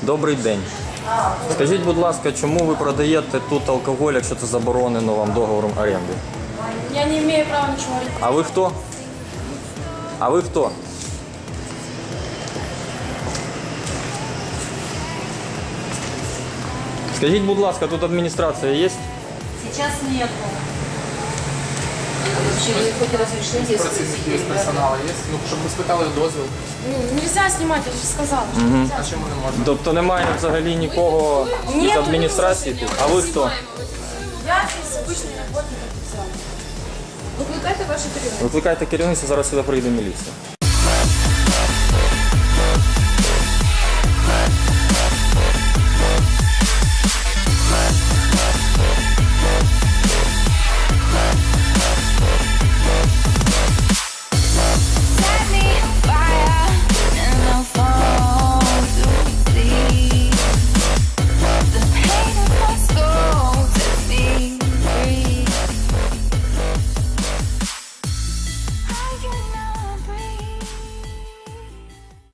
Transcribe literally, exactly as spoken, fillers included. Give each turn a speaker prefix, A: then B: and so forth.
A: Добрий день. Скажіть, будь ласка, чому ви продаєте тут алкоголь, якщо це заборонено вам договором оренди?
B: Я не имею права ничего говорить.
A: А ви хто? А ви хто? Скажіть, будь ласка, тут адміністрація є?
C: Сейчас нету. Вообще вы хоть разрешите, если
D: Працівники з персоналу є? Ну, щоб ми спитали дозвіл.
B: Ну, нельзя снимать, я же сказала. Что
D: А чому не можна?
A: Тобто немає взагалі нікого з адміністрації тут? А ви хто?
B: я из обычный работник официально.
C: Викликайте ваше керівництво.
A: Викликайте керівництво, зараз сюди прийде міліція.